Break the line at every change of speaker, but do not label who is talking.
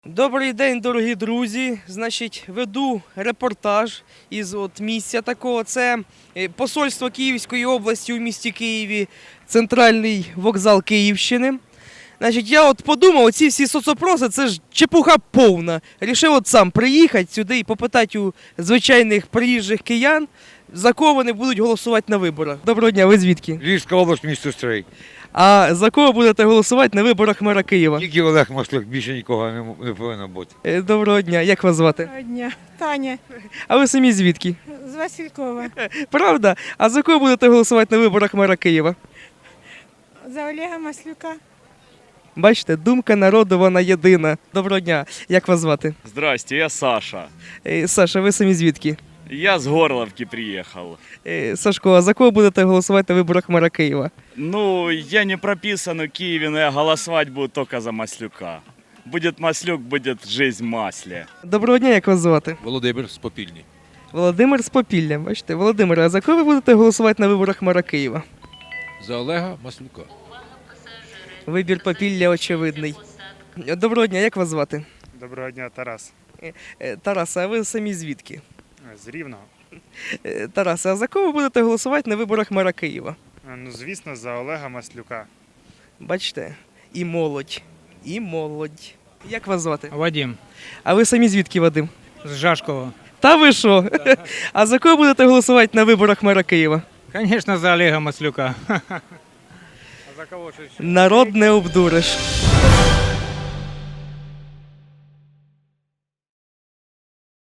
Добрий день, дорогі друзі. Значить, веду репортаж із місця такого. Це посольство Київської області у місті Києві, центральний вокзал Київщини. Значить, я подумав, оці всі соцопроси, це ж чепуха повна. Рішив сам приїхати сюди і попитати у звичайних приїжджих киян, за кого вони будуть голосувати на виборах. Доброго дня, ви звідки?
Львівська область, місто Стрий.
А за кого будете голосувати на виборах мера Києва?
Тільки Олег Маслюк, більше нікого не повинно бути.
Доброго дня, як вас звати?
Доброго дня. Таня
А ви самі звідки?
з Василькова.
Правда? А за кого будете голосувати на виборах мера Києва?
За Олега Маслюка.
Бачите, думка народу, вона єдина. Доброго дня, як вас звати?
Здрасте, я Саша.
Саша, ви самі звідки?
Я с Горловки приехал.
Сашко, а за кого будете голосувати на виборах мера Києва?
Ну, я не прописан в Киеве, но я голосовать буду только за Маслюка. Будет Маслюк, будет жизнь в масле.
Доброго дня, як вас звати?
Володимир з Попільні.
Володимир з Попілля. Бачите, Володимир, а за кого ви будете голосувати на виборах мера Києва?
За Олега Маслюка.
Вибір Попілля очевидний. Доброго дня, як вас звати?
Доброго дня, Тарас.
Тарас, а ви самі звідки?
З Рівного.
Тарас, а за кого ви будете голосувати на виборах мера Києва?
Ну, звісно, за Олега Маслюка.
Бачите, і молодь, і молодь. Як вас звати?
Вадим,
А ви самі звідки, Вадим?
з Жашкова.
Та ви що? А за кого будете голосувати на виборах мера Києва?
Конечно, за Олега Маслюка.
Народ не обдуриш.